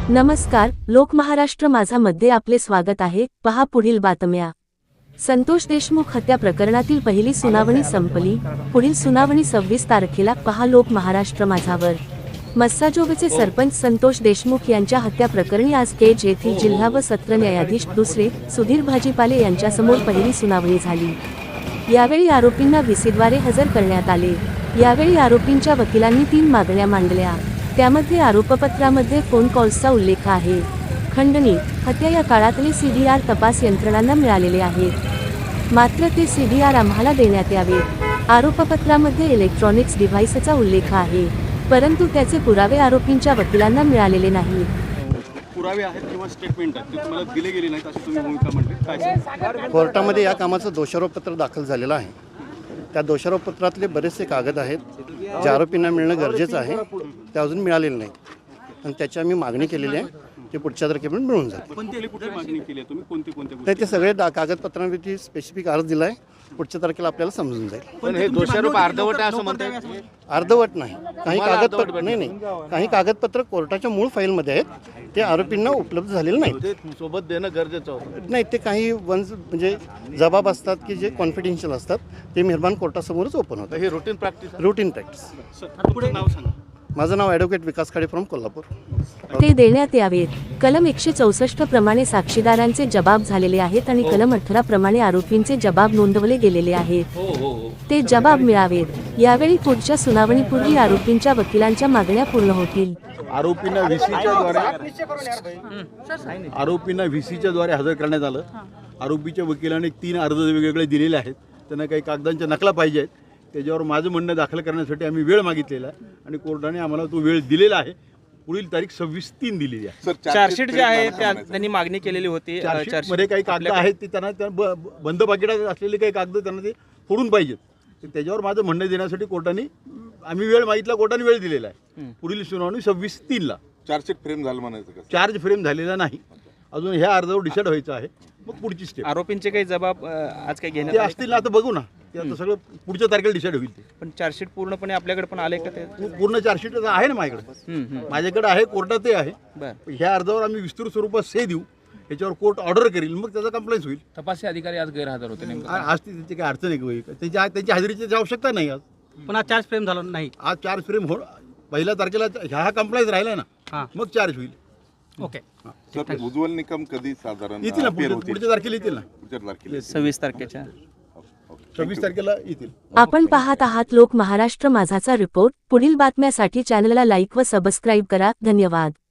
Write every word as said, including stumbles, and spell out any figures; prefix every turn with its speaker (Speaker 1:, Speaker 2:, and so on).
Speaker 1: नमस्कार, लोक महाराष्ट्र माझा मध्ये आपले स्वागत आहे। पहा पुढील बातम्या। संतोष देशमुख हत्या प्रकरणातील पहिली सुनावणी संपली। पुढील सुनावणी सव्वीस तारखेला। पहा लोक महाराष्ट्र माझावर। मस्साजोगचे सरपंच संतोष देशमुख यांच्या हत्या प्रकरणी आज केज येथील जिल्हा व सत्र न्यायाधीश दुसरे सुधीर भाजीपाले यांच्यासमोर पहिली सुनावणी झाली। यावेळी आरोपींना व्हीसीद्वारे हजर करण्यात आले। यावेळी आरोपींच्या वकिलांनी तीन मागण्या मांडल्या। त्यामध्ये आरोपपत्रामध्ये फोन कॉल्सचा उल्लेख आहे। खंडणी हत्या या काळातले सीडीआर तपास यंत्रणांना मिळालेले आहेत, मात्र ते सीडीआर आम्हाला देण्यात यावे। आरोपपत्रामध्ये इलेक्ट्रॉनिक्स डिव्हाइसचा उल्लेख आहे, परंतु त्याचे पुरावे आरोपींच्या वकिलांना मिळालेले नाही।
Speaker 2: पुरावे आहेत किंवा स्टेटमेंट आहेत ते तुम्हाला दिले गेले नाहीत अशी तुम्ही भूमिका मांडली, काय?
Speaker 3: कोर्टामध्ये या कामाचं दोषारोपपत्र दाखल झालेलं आहे। त्या दोषारोपपत्रातले बरेचसे कागद आहेत जे आरोपींना मिळणं गरजेचं आहे, ते अजून मिळालेले नाहीत आणि त्याची आम्ही मागणी केलेली आहे। ते पुढच्या तारखेपर्यंत मिळून जाईल।
Speaker 2: कोणती कुठली मागणी केली आहे तुम्ही? कोणती कोणत्या
Speaker 3: नाही, ते सगळे डा कागदपत्रांवरती स्पेसिफिक अर्ज दिला आहे। पुढच्या तारखेला आपल्याला समजून जाईल।
Speaker 4: पण हे दोषारोप अर्धवट आहे असं म्हणतात?
Speaker 3: अर्धवट नाही, काही कागदपत्र नाही नाही काही कागदपत्र कोर्टाच्या मूळ फाईलमध्ये आहेत, ते आरोपींना उपलब्ध झालेले नाहीत।
Speaker 4: ते सोबत देणं गरजेचं होतं।
Speaker 3: नाही, ते काही वन्स म्हणजे जबाब असतात की जे कॉन्फिडेन्शियल असतात, ते मेहरबान कोर्टासमोरच ओपन होतं।
Speaker 4: हे रुटीन प्रॅक्टिस
Speaker 3: रुटीन प्रॅक्टिस।
Speaker 2: पुढे नाव सांगा।
Speaker 3: माझं नाव ॲडव्होकेट विकास खाडे फ्रॉम कोल्हापूर।
Speaker 1: ते देण्यात यावेत। कलम एकशे चौसष्ट प्रमाणे साक्षीदारांचे जबाब झालेले आहेत आणि कलम अठरा प्रमाणे आरोपींचे जबाब नोंदवले गेलेले आहेत, ते जबाब मिळावेत। यावेळी पुढच्या सुनावणीपूर्वी आरोपींच्या वकिलांच्या मागण्या पूर्ण होतील।
Speaker 4: आरोपींना व्हीसीच्या द्वारे आरोपींना व्हीसीच्या द्वारे हजर करण्यात आलं। आरोपीच्या वकिलांनी तीन अर्ज वेगवेगळे दिलेले आहेत, त्यांना काही कागदांच्या नकला पाहिजे आहेत। त्याच्यावर माझं म्हणणं दाखल करण्यासाठी आम्ही वेळ मागितलेला आहे आणि कोर्टाने आम्हाला तो वेळ दिलेला आहे। पुढील तारीख सव्वीस तीन दिलेली आहे।
Speaker 5: चार्जशीट जे आहे त्यांनी मागणी केलेली होती।
Speaker 4: चार्जशीट मध्ये काही कागद आहेत ते त्यांना त्या ब- बंद पाकिटात असलेले काही कागद त्यांना ते फोडून पाहिजेत। तर त्याच्यावर माझं म्हणणं देण्यासाठी कोर्टाने आम्ही वेळ मागितला, कोर्टाने वेळ दिलेला आहे। पुढील सुनावणी सव्वीस तीनला।
Speaker 6: चार्जशीट फ्रेम झालं म्हणायचं का?
Speaker 4: चार्ज फ्रेम झालेला नाही अजून, ह्या अर्जावर डिसाईड व्हायचं आहे, मग पुढची स्टेप।
Speaker 5: आरोपींचे काही जबाब अ, आज काही
Speaker 4: ते
Speaker 5: घेण्यात आले?
Speaker 4: असतील ना, आता बघू ना, ते आता सगळं पुढच्या तारखेला डिसाईड होईल। ते
Speaker 5: पण चार्जशीट पूर्णपणे आपल्याकडे पण आले का ते?
Speaker 4: पू- पूर्ण चार्जशीट आहे ना माझ्याकडे,
Speaker 5: हम्म, हम्म.
Speaker 4: माझ्याकडे आहे, कोर्टात ते आहे।
Speaker 5: बरं,
Speaker 4: ह्या अर्जावर आम्ही विस्तृत स्वरूपात से देऊ, याच्यावर कोर्ट ऑर्डर करेल, मग त्याचा कंप्लेंट होईल।
Speaker 7: तपासी अधिकारी आज गैरहजर होते नेमकं.
Speaker 4: आ- आज ती त्याची काही अडचण आहे का? त्याची त्यांची हजेरीची आवश्यकता नाही आज।
Speaker 5: पण आज चार्ज फ्रेम झाला नाही।
Speaker 4: आज चार्ज फ्रेम हो, पहिल्या तारखेला ह्या हा कंप्लेंट राहिला ना, मग चार्ज होईल।
Speaker 5: ओके,
Speaker 6: सर, उज्ज्वल निकम कधी साधारण
Speaker 4: येतील ना,
Speaker 6: appear
Speaker 4: पुढच्या
Speaker 6: होतील?
Speaker 4: पुढच्या तारखेला येतील ना,
Speaker 6: पुढच्या तारखेला
Speaker 5: सव्वीस तारखेच्या
Speaker 4: सव्वीस तारखेला येतील।
Speaker 1: आपण पाहत आहात लोक महाराष्ट्र माझाचा रिपोर्ट। पुढील बातम्यासाठी चॅनलला लाईक व सबस्क्राईब करा। धन्यवाद।